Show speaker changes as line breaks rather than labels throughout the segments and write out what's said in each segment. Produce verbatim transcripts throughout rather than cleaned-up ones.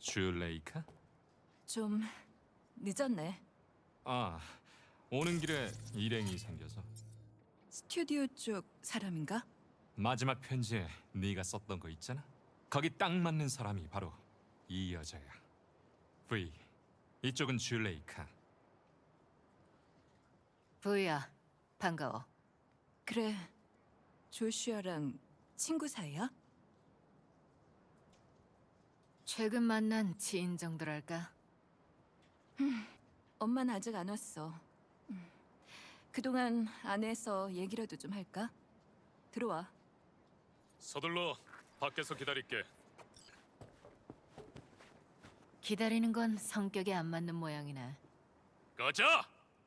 쥬레이카?
좀 늦었네.
아, 오는 길에 일행이 생겨서.
스튜디오 쪽 사람인가?
마지막 편지에 네가 썼던 거 있잖아? 거기 딱 맞는 사람이 바로 이 여자야. V, 이쪽은 쥬레이카.
부이야, 반가워.
그래, 조슈아랑 친구 사이야?
최근 만난 지인 정도랄까?
엄마는 아직 안 왔어. 음, 그동안 안에서 얘기라도 좀 할까? 들어와.
서둘러 밖에서 기다릴게.
기다리는 건 성격에 안 맞는 모양이네.
가자.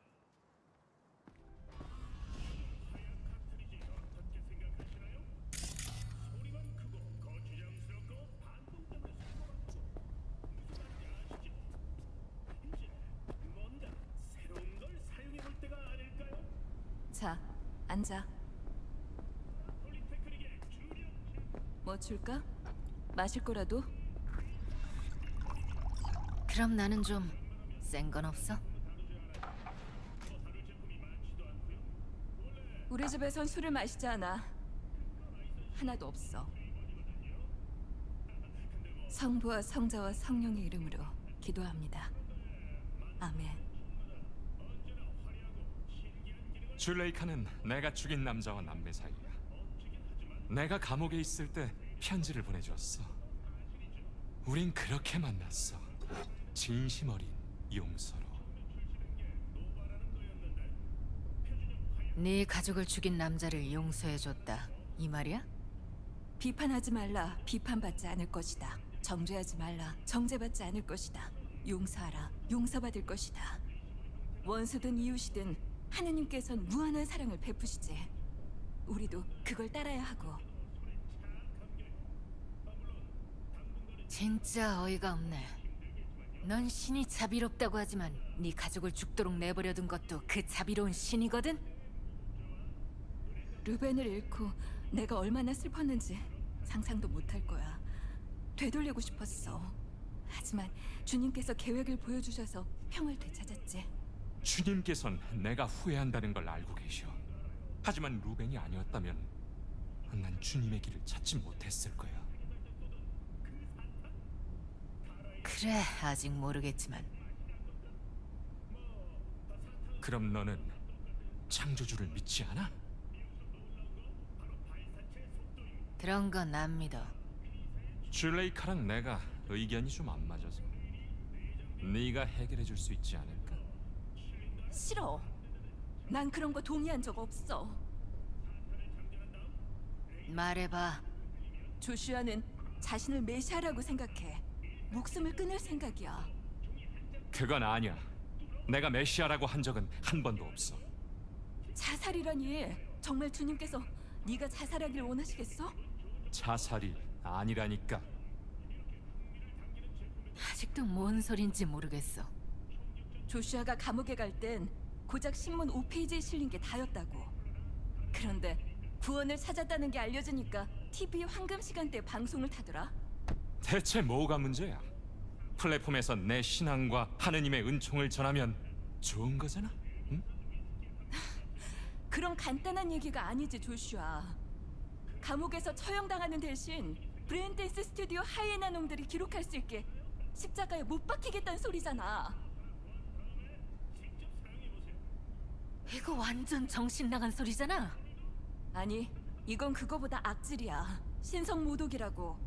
자, 앉아. 뭐 줄까? 마실 거라도?
그럼 나는 좀 센 건 없어?
우리 집에선 술을 마시지 않아. 하나도 없어. 성부와 성자와 성령의 이름으로 기도합니다. 아멘.
쥬레이카는 내가 죽인 남자와 남매 사이야. 내가 감옥에 있을 때 편지를 보내주었어. 우린 그렇게 만났어. 진심 어린 용서로.
네 가족을 죽인 남자를 용서해줬다. 이 말이야?
비판하지 말라. 비판받지 않을 것이다. 정죄하지 말라. 정죄받지 않을 것이다. 용서하라. 용서받을 것이다. 원수든 이웃이든 하느님께서는 무한한 사랑을 베푸시지. 우리도 그걸 따라야 하고.
진짜 어이가 없네. 넌 신이 자비롭다고 하지만 네 가족을 죽도록 내버려둔 것도 그 자비로운 신이거든?
루벤을 잃고 내가 얼마나 슬펐는지 상상도 못할 거야. 되돌리고 싶었어. 하지만 주님께서 계획을 보여주셔서 평을 되찾았지.
주님께선 내가 후회한다는 걸 알고 계셔. 하지만 루벤이 아니었다면 난 주님의 길을 찾지 못했을 거야.
그래, 아직 모르겠지만
그럼 너는 창조주를 믿지 않아?
그런 건 안 믿어.
쥬레이카랑 내가 의견이 좀 안 맞아서 네가 해결해 줄 수 있지 않을까?
싫어. 난 그런 거 동의한 적 없어.
말해봐.
조슈아는 자신을 메시아라고 생각해. 목숨을 끊을 생각이야.
그건 아니야. 내가 메시아라고 한 적은 한 번도 없어.
자살이라니. 정말 주님께서 네가 자살하길 원하시겠어?
자살이 아니라니까.
아직도 뭔 소린지 모르겠어.
조슈아가 감옥에 갈 땐 고작 신문 오 페이지에 실린 게 다였다고. 그런데 구원을 찾았다는 게 알려지니까 티비 황금 시간대 방송을 타더라.
대체 뭐가 문제야? 플랫폼에서 내 신앙과 하느님의 은총을 전하면 좋은 거잖아? 응?
그런 간단한 얘기가 아니지, 조슈아. 감옥에서 처형당하는 대신 브레인댄스 스튜디오 하이에나 놈들이 기록할 수 있게 십자가에 못 박히겠다는 소리잖아.
이거 완전 정신 나간 소리잖아.
아니, 이건 그거보다 악질이야. 신성 모독이라고.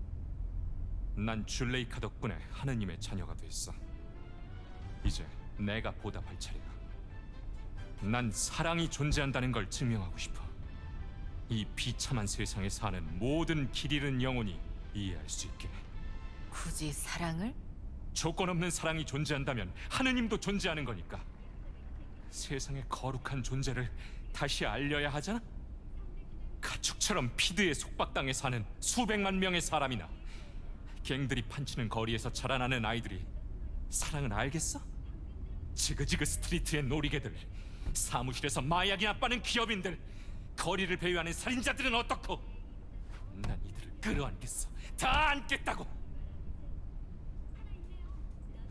난 쥬레이카 덕분에 하느님의 자녀가 됐어. 이제 내가 보답할 차례야. 난 사랑이 존재한다는 걸 증명하고 싶어. 이 비참한 세상에 사는 모든 길 잃은 영혼이 이해할 수 있게.
굳이 사랑을?
조건 없는 사랑이 존재한다면 하느님도 존재하는 거니까. 세상의 거룩한 존재를 다시 알려야 하잖아? 가축처럼 피드에 속박당해 사는 수백만 명의 사람이나 갱들이 판치는 거리에서 자라나는 아이들이 사랑을 알겠어? 지그지그 스트리트의 놀이개들, 사무실에서 마약이나 빠는 기업인들, 거리를 배회하는 살인자들은 어떻고? 난 이들을 끌어안겠어. 다 안겠다고.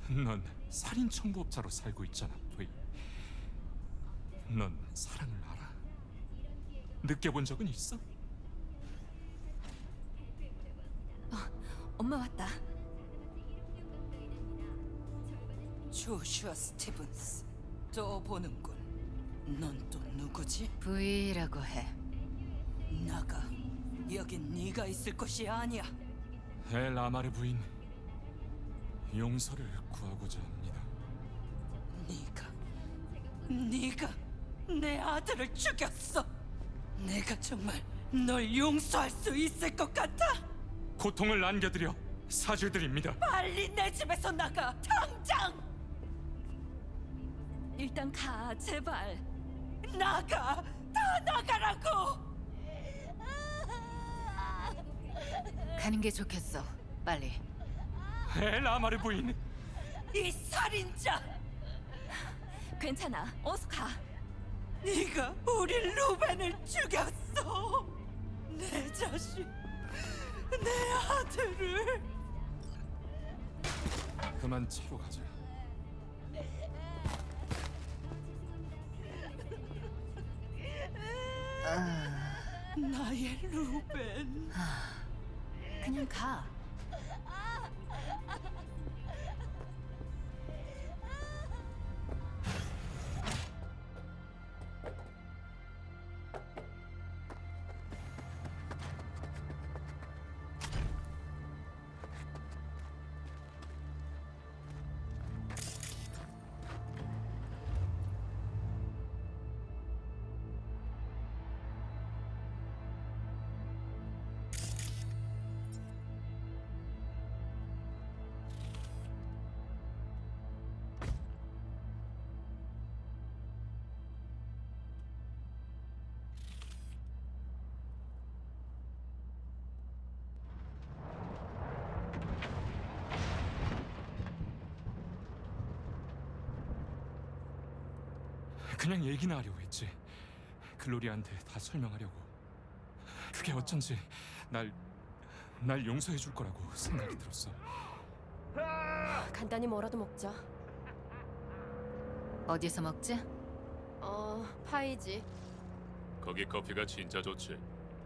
넌 살인 청부업자로 살고 있잖아, 브이. 넌 사랑을 알아? 느껴본 적은 있어?
엄마 왔다.
조슈아 스티븐스 또 보는군. 넌 또 누구지?
브이라고 해.
나가. 여긴 네가 있을 곳이 아니야.
엘 아마르 부인, 용서를 구하고자 합니다.
네가 네가 내 아들을 죽였어. 내가 정말 널 용서할 수 있을 것 같아?
고통을 안겨드려 사죄드립니다.
빨리 내 집에서 나가. 당장
일단 가, 제발.
나가. 다 나가라고.
가는 게 좋겠어. 빨리.
엘 아마르 부인,
이 살인자.
괜찮아. 어서 가.
네가 우리 루벤을 죽였어. 내 자식, 내 아들을.
그만 차로 가자.
나의 루벤.
그냥 가.
그냥 얘기나 하려고 했지. 글로리아한테 다 설명하려고. 그게 어쩐지 날, 날 용서해 줄 거라고 생각이 들었어.
간단히 뭐라도 먹자.
어디서 먹지?
어, 파이지.
거기 커피가 진짜 좋지.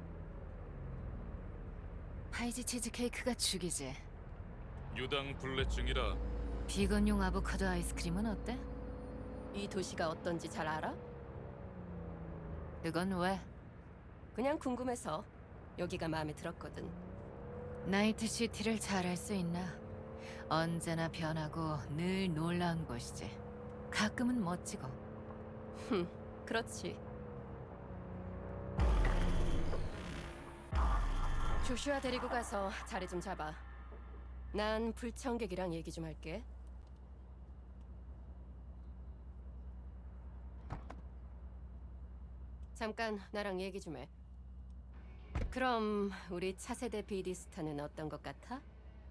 파이지 치즈케이크가 죽이지.
유당 불내증이라
비건용 아보카도 아이스크림은 어때?
이 도시가 어떤지 잘 알아?
그건 왜?
그냥 궁금해서 여기가 마음에 들었거든.
나이트 시티를 잘 알 수 있나? 언제나 변하고 늘 놀라운 곳이지. 가끔은 멋지고.
흠, 그렇지. 조슈아 데리고 가서 자리 좀 잡아. 난 불청객이랑 얘기 좀 할게. 잠깐 나랑 얘기 좀 해. 그럼 우리 차세대 비디스타는 어떤 것 같아?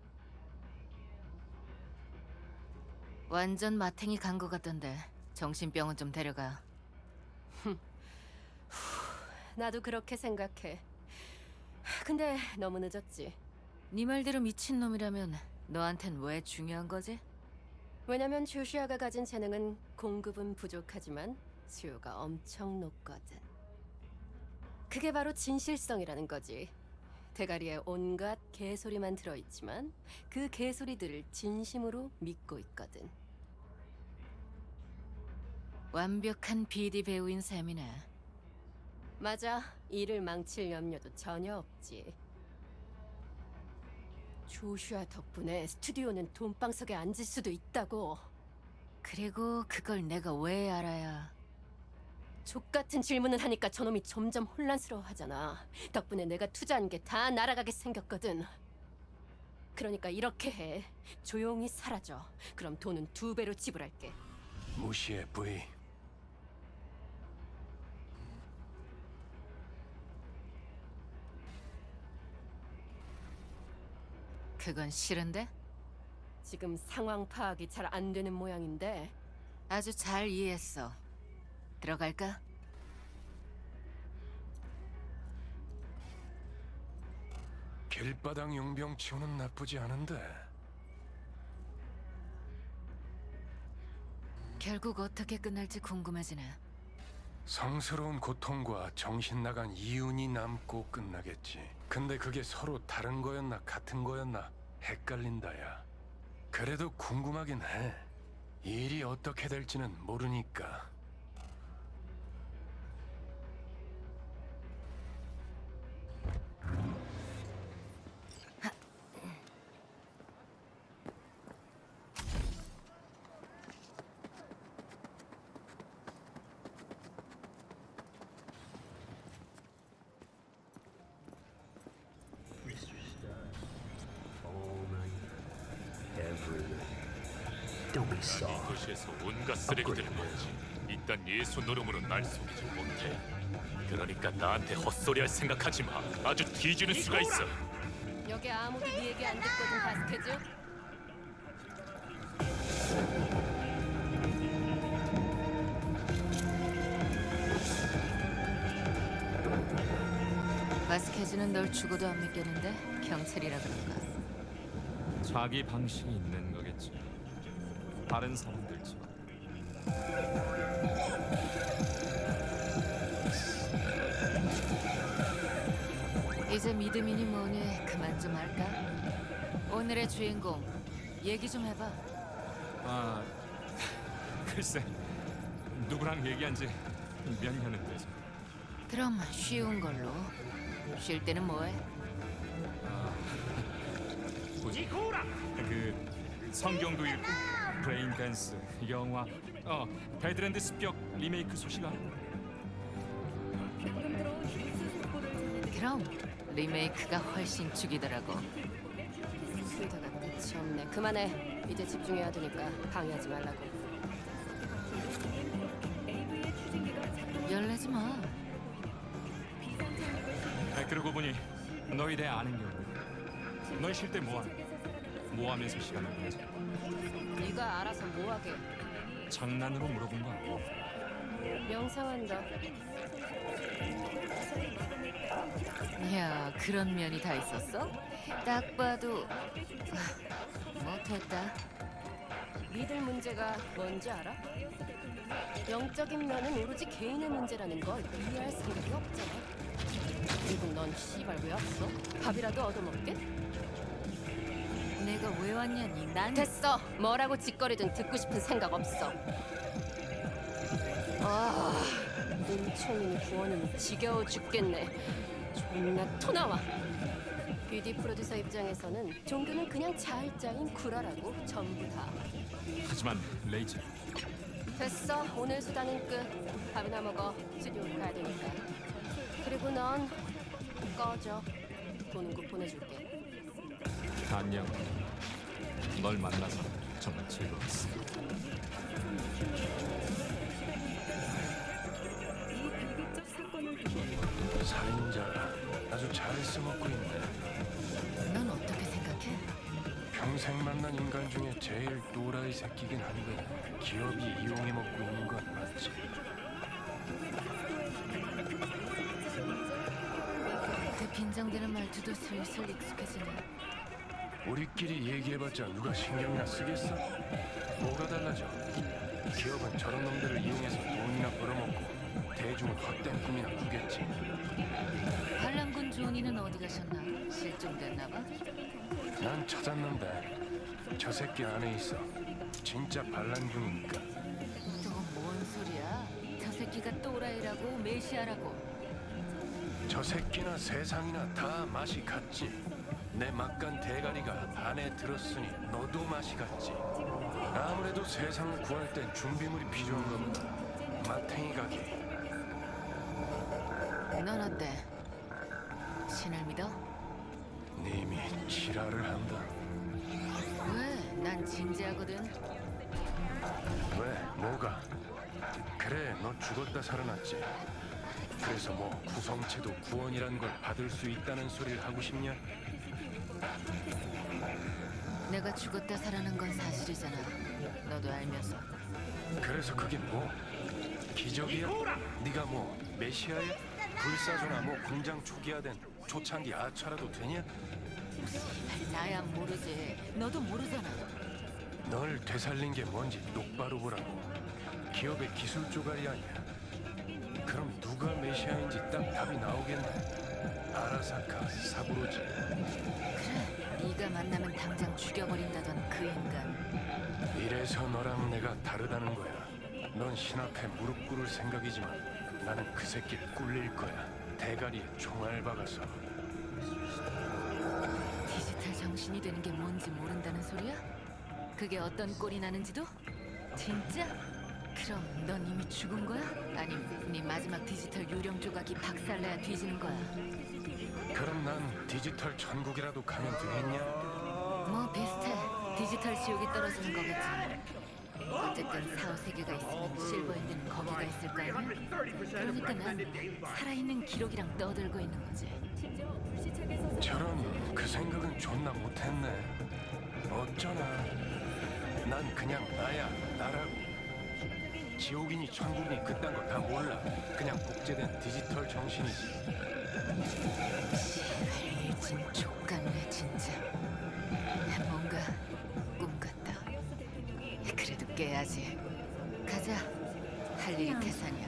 완전 마탱이 간 것 같던데. 정신병원 좀 데려가.
나도 그렇게 생각해. 근데 너무 늦었지.
네 말대로 미친놈이라면 너한텐 왜 중요한 거지?
왜냐면 조슈아가 가진 재능은 공급은 부족하지만 수요가 엄청 높거든. 그게 바로 진실성이라는 거지. 대가리에 온갖 개소리만 들어있지만 그 개소리들을 진심으로 믿고 있거든.
완벽한 비디 배우인 셈이네.
맞아. 일을 망칠 염려도 전혀 없지. 조슈아 덕분에 스튜디오는 돈방석에 앉을 수도 있다고.
그리고 그걸 내가 왜 알아야...
족같은 질문을 하니까 저놈이 점점 혼란스러워하잖아. 덕분에 내가 투자한 게 다 날아가게 생겼거든. 그러니까 이렇게 해. 조용히 사라져. 그럼 돈은 두 배로 지불할게.
무시해, 브이.
그건 싫은데?
지금 상황 파악이 잘 안 되는 모양인데
아주 잘 이해했어. 들어갈까?
길바닥 용병 치고는 나쁘지 않은데
결국 어떻게 끝날지 궁금해지네.
성스러운 고통과 정신 나간 이윤이 남고 끝나겠지. 근데 그게 서로 다른 거였나 같은 거였나 헷갈린다야. 그래도 궁금하긴 해. 일이 어떻게 될지는 모르니까.
Don't be soft.
이 도시에서 온갖 쓰레기들을 모으지. 이딴 예수 노름으로 날 속이지 못해. 그러니까 나한테 헛소리할 생각하지 마. 아주 뒤지는 수가 있어.
여기 아무도 네 얘기 안 듣거든, 바스케즈.
바스케즈는 널 죽어도 안 믿겠는데 경찰이라 그런가?
자기 방식이 있는 거겠지. 다른 사람들처럼.
이제 믿음이니 뭐니 그만 좀 할까? 오늘의 주인공 얘기 좀 해봐.
아, 글쎄, 누구랑 얘기한 지 몇 년은 돼서.
그럼 쉬운 걸로. 쉴 때는 뭐해?
뭐지? 그 성경도 읽고 브레인 댄스, 영화, 어 배드랜드 습격 리메이크 소식 알아?
그럼 리메이크가 훨씬 죽이더라고.
수다가 끝이 없네. 그만해. 이제 집중해야 되니까 방해하지 말라고.
열내지 마.
아, 그러고 보니 너희 대 아는 게 없네. 너희 쉴 때 뭐하니? 뭐하면서 시간을 보내지?
네가 알아서 뭐하게.
장난으로 물어본 거 아니야?
명상한다.
야, 그런 면이 다 있었어? 딱 봐도 아, 못했다.
믿을 문제가 뭔지 알아? 영적인 면은 오로지 개인의 문제라는 걸 이해할 생각이 없잖아. 그리고 넌 씨발 왜 왔어? 밥이라도 얻어먹게?
내가 왜 왔냐니? 난
됐어. 뭐라고 짓거리든 듣고 싶은 생각 없어. 아, 은총이니 구원이니 지겨워 죽겠네. 존나 토나와. 뷰티 프로듀서 입장에서는 종교는 그냥 자을자인 구라라고 전부 다.
하지만 레이첼,
됐어. 오늘 수다는 끝. 밥이나 먹어. 스튜디오 가야 되니까. 그리고 넌 꺼져. 돈은 곧 보내줄게.
안녕. 널 만나서 정말 즐거웠어.
살인자가 아주 잘 써먹고 있네.
넌 어떻게 생각해?
평생 만난 인간 중에 제일 또라이 새끼긴 한데 기업이 이용해 먹고 있는 건 맞지.
그 빈정대는 말투도 슬슬 익숙해지네.
우리끼리 얘기해봤자 누가 신경이나 쓰겠어? 뭐가 달라져? 기업은 저런 놈들을 이용해서 돈이나 벌어먹고 대중은 헛된 꿈이나 꾸겠지.
반란군 조은이는 어디 가셨나? 실종됐나 봐?
난 찾았는데 저 새끼 안에 있어. 진짜 반란군이니까.
또 뭔 소리야? 저 새끼가 또라이라고 메시아라고.
저 새끼나 세상이나 다 맛이 같지. 내 막간 대가리가 안에 들었으니 너도 맛이 같지. 아무래도 세상을 구할 땐 준비물이 필요한 거보다 마탱이 가기.
넌 어때? 신을 믿어?
님이 지랄을 한다.
왜? 난 진지하거든.
왜? 뭐가? 그래, 너 죽었다 살아났지. 그래서 뭐 구성체도 구원이란 걸 받을 수 있다는 소리를 하고 싶냐?
내가 죽었다 살아난 건 사실이잖아. 너도 알면서.
그래서 그게 뭐? 기적이야? 네가 뭐 메시아야? 불사조나 뭐 공장 초기화된 초창기 아차라도 되냐?
나야 모르지. 너도 모르잖아.
널 되살린 게 뭔지 똑바로 보라고. 기업의 기술 조각이 아니야. 그럼 누가 메시아인지 딱 답이 나오겠네. 아라사카 사부로지.
그래, 네가 만나면 당장 죽여버린다던 그 인간.
이래서 너랑 내가 다르다는 거야. 넌 신 앞에 무릎 꿇을 생각이지만 나는 그 새끼 꿀릴 거야. 대가리에 총알 박아서.
디지털 정신이 되는 게 뭔지 모른다는 소리야? 그게 어떤 꼴이 나는지도? 진짜? 그럼 넌 이미 죽은 거야? 아니면 네 마지막 디지털 요령 조각이 박살나야 뒤지는 거야?
그럼 난 디지털 천국이라도 가면 되겠냐?
뭐 비슷해. 디지털 지옥이 떨어지는 거겠지. 어쨌든 사후 세계가 있으면 실버핸드는 거기가 있을 거 아니야? 그러니까 난 살아있는 기록이랑 떠들고 있는 거지.
저런 그 생각은 존나 못했네. 어쩌나. 난 그냥 나야, 나라고. 지옥이니 천국이니 그딴 거 다 몰라. 그냥 복제된 디지털 정신이지.
일진 족같네 진짜. 뭔가 꿈 같다. 그래도 깨야지. 가자. 할 일이 태산이야.